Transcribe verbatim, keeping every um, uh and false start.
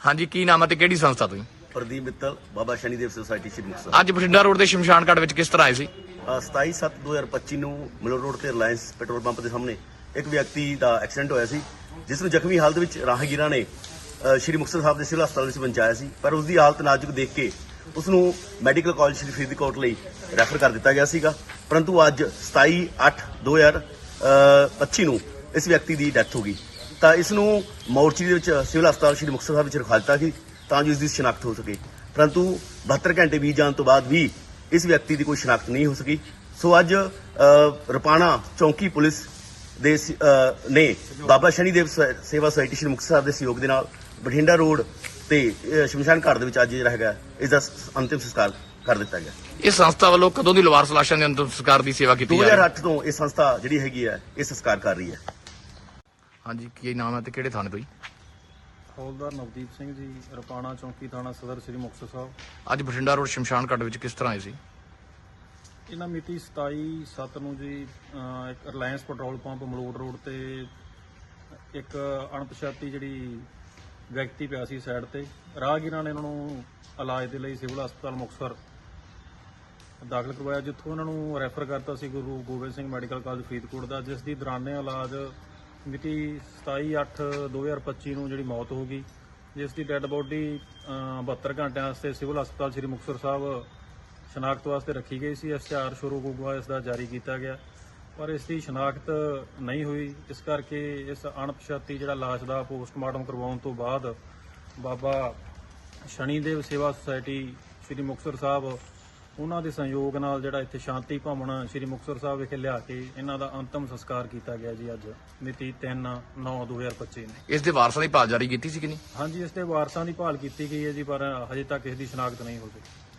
ਹਾਂਜੀ, ਕੀ ਨਾਮ ਹੈ ਤੇ ਕਿਹੜੀ ਸੰਸਥਾ ਤੋਂ? ਪ੍ਰਦੀਪ ਮਿੱਤਲ, ਬਾਬਾ ਸ਼ਨੀਦੇਵ ਸੁਸਾਇਟੀ ਸ਼੍ਰੀ ਮੁਕਤਸਰ। ਅੱਜ ਬਠਿੰਡਾ ਰੋਡ ਦੇ ਸ਼ਮਸ਼ਾਨ ਘਾਟ ਵਿੱਚ ਕਿਸ ਤਰ੍ਹਾਂ ਆਏ ਸੀ? ਸਤਾਈ ਸੱਤ ਦੋ ਹਜ਼ਾਰ ਪੱਚੀ ਨੂੰ ਮਲੋਟ ਰੋਡ ਤੇ ਰਿਲਾਇੰਸ ਪੈਟਰੋਲ ਪੰਪ ਦੇ ਸਾਹਮਣੇ ਇੱਕ ਵਿਅਕਤੀ ਦਾ ਐਕਸੀਡੈਂਟ ਹੋਇਆ ਸੀ, ਜਿਸ ਨੂੰ ਜ਼ਖਮੀ ਹਾਲਤ ਵਿੱਚ ਰਾਹਗੀਰਾਂ ਨੇ ਅ, ਸ਼੍ਰੀ ਮੁਕਤਸਰ ਸਾਹਿਬ ਦੇ ਸਿਵਲ ਹਸਪਤਾਲ ਵਿੱਚ ਪਹੁੰਚਾਇਆ ਸੀ। ਪਰ ਉਸ ਦੀ ਹਾਲਤ ਨਾਜ਼ੁਕ ਦੇਖ ਕੇ ਉਸ ਨੂੰ ਮੈਡੀਕਲ ਕਾਲਜ ਸ਼੍ਰੀ ਫਰੀਦਕੋਟ ਲਈ ਰੈਫਰ ਕਰ ਦਿੱਤਾ ਗਿਆ ਸੀਗਾ। ਪਰੰਤੂ ਅੱਜ ਸਤਾਈ ਅੱਠ ਦੋ ਹਜ਼ਾਰ ਪੱਚੀ ਨੂੰ ਇਸ ਵਿਅਕਤੀ ਦੀ ਡੈਥ ਹੋ ਗਈ। ਤਾਂ ਇਸ ਨੂੰ ਮੋਰਚੀ ਦੇ ਵਿੱਚ ਸਿਵਲ ਹਸਪਤਾਲ ਸ਼੍ਰੀ ਮੁਕਤਸਰ ਸਾਹਿਬ ਵਿੱਚ ਰਖਵਾ ਦਿੱਤਾ ਸੀ ਤਾਂ ਜੋ ਇਸ ਦੀ ਸ਼ਨਾਖਤ ਹੋ ਸਕੇ। ਪਰੰਤੂ ਬਹੱਤਰ ਘੰਟੇ ਬੀਤ ਜਾਣ ਤੋਂ ਬਾਅਦ ਵੀ ਇਸ ਵਿਅਕਤੀ ਦੀ ਕੋਈ ਸ਼ਨਾਖਤ ਨਹੀਂ ਹੋ ਸਕੀ। ਸੋ ਅੱਜ ਅ, ਰਪਾਣਾ ਚੌਂਕੀ ਪੁਲਿਸ ਦੇ ਸ- ਅ, ਨੇ ਬਾਬਾ ਸ਼ਨੀਦੇਵ ਸ- ਸੇਵਾ ਸੁਸਾਇਟੀ ਸ਼੍ਰੀ ਮੁਕਤਸਰ ਸਾਹਿਬ ਦੇ ਸਹਿਯੋਗ ਦੇ ਨਾਲ ਬਠਿੰਡਾ ਰੋਡ ਤੇ ਅ, ਸ਼ਮਸ਼ਾਨ ਘਾਟ ਦੇ ਵਿੱਚ ਅੱਜ ਜਿਹੜਾ ਹੈਗਾ ਇਸ ਦਾ ਸ- ਅੰਤਿਮ ਸੰਸਕਾਰ ਕਰ ਦਿੱਤਾ ਗਿਆ। ਇਸ ਸੰਸਥਾ ਵੱਲੋਂ ਕਦੋਂ ਦੀ ਲਵਾਰਸ ਲਾਸ਼ਾਂ ਦੇ ਅੰਤਿਮ ਸੰਸਕਾਰ ਦੀ ਸੇਵਾ ਕੀਤੀ ਜਾ ਰਹੀ ਹੈ? ਦੋ ਹਜ਼ਾਰ ਅੱਠ ਤੋਂ ਇਹ ਸੰਸਥਾ ਜਿਹੜੀ ਹੈਗੀ ਹੈ ਇਹ ਸੰਸਕਾਰ ਕਰ ਰਹੀ ਹੈ। ਹਾਂਜੀ, ਕੀ ਨਾਮ ਹੈ ਤੇ ਕਿਹੜੇ ਥਾਣੇ ਤੋਂ ਜੀ? ਹੌਲਦਾਰ ਨਵਦੀਪ ਸਿੰਘ ਜੀ, ਰਪਾਣਾ ਚੌਂਕੀ ਥਾਣਾ ਸਦਰ ਸ੍ਰੀ ਮੁਕਤਸਰ ਸਾਹਿਬ। ਅੱਜ ਬਠਿੰਡਾ ਰੋਡ ਸ਼ਮਸ਼ਾਨ ਘਾਟ ਵਿੱਚ ਕਿਸ ਤਰ੍ਹਾਂ ਆਏ ਸੀ? ਇਹਨਾਂ ਮਿਤੀ ਸਤਾਈ ਸੱਤ ਨੂੰ ਜੀ ਅਹ ਇੱਕ Reliance petrol pump Malot road ਤੇ ਇੱਕ ਅਣਪਛਾਤੀ ਜਿਹੜੀ ਵਿਅਕਤੀ ਪਿਆ ਸੀ ਸਾਈਡ ਤੇ। ਰਾਹਗੀਰਾਂ ਨੇ ਇਹਨਾਂ ਨੂੰ ਇਲਾਜ ਦੇ ਲਈ ਸਿਵਲ ਹਸਪਤਾਲ ਮੁਕਤਸਰ ਦਾਖਲ ਕਰਵਾਇਆ, ਜਿੱਥੋਂ ਇਹਨਾਂ ਨੂੰ ਰੈਫਰ ਕਰਤਾ ਸੀ ਗੁਰੂ ਗੋਬਿੰਦ ਸਿੰਘ ਮੈਡੀਕਲ ਕਾਲਜ ਫਰੀਦਕੋਟ ਦਾ, ਜਿਸ ਦੀ ਦੌਰਾਨੇ ਇਲਾਜ ਮਿਤੀ ਸਤਾਈ ਅੱਠ ਦੋ ਹਜ਼ਾਰ ਪੱਚੀ ਨੂੰ ਜਿਹੜੀ ਮੌਤ ਹੋ ਗਈ, ਜਿਸ ਦੀ ਡੈੱਡ ਬੋਡੀ ਬਹੱਤਰ ਘੰਟਿਆਂ ਵਾਸਤੇ ਸਿਵਲ ਹਸਪਤਾਲ ਸ੍ਰੀ ਮੁਕਤਸਰ ਸਾਹਿਬ ਸ਼ਨਾਖਤ ਵਾਸਤੇ ਰੱਖੀ ਗਈ ਸੀ। ਇਸ਼ਤਿਹਾਰ ਸ਼ੁਰੂ ਗੁਗਵਾ ਇਸ ਦਾ ਜਾਰੀ ਕੀਤਾ ਗਿਆ, ਪਰ ਇਸ ਦੀ ਸ਼ਨਾਖਤ ਨਹੀਂ ਹੋਈ। ਇਸ ਕਰਕੇ ਇਸ ਅਣਪਛਾਤੀ ਜਿਹੜਾ ਲਾਸ਼ ਦਾ ਪੋਸਟਮਾਰਟਮ ਕਰਵਾਉਣ ਤੋਂ ਬਾਅਦ ਬਾਬਾ ਸ਼ਨੀਦੇਵ ਸੇਵਾ ਸੁਸਾਇਟੀ ਸ੍ਰੀ ਮੁਕਤਸਰ ਸਾਹਿਬ ਉਹਨਾਂ ਦੇ ਸਹਿਯੋਗ ਨਾਲ ਜਿਹੜਾ ਇੱਥੇ ਸ਼ਾਂਤੀ ਭਵਨ ਸ੍ਰੀ ਮੁਕਤਸਰ ਸਾਹਿਬ ਵਿਖੇ ਲਿਆ ਕੇ ਇਹਨਾਂ ਦਾ ਅੰਤਮ ਸੰਸਕਾਰ ਕੀਤਾ ਗਿਆ ਜੀ ਅੱਜ ਮਿਤੀ ਤਿੰਨ ਨੌ ਦੋ ਹਜ਼ਾਰ ਪੱਚੀ ਨੂੰ। ਇਸ ਦੇ ਵਾਰਸਾਂ ਦੀ ਭਾਲ ਜਾਰੀ ਕੀਤੀ ਸੀ ਕਿ ਨਹੀਂ? ਹਾਂਜੀ, ਇਸ ਦੇ ਵਾਰਸਾਂ ਦੀ ਭਾਲ ਕੀਤੀ ਗਈ ਹੈ ਜੀ, ਪਰ ਹਜੇ ਤੱਕ ਇਸ ਦੀ ਸ਼ਨਾਖਤ ਨਹੀਂ ਹੋ ਸਕੀ।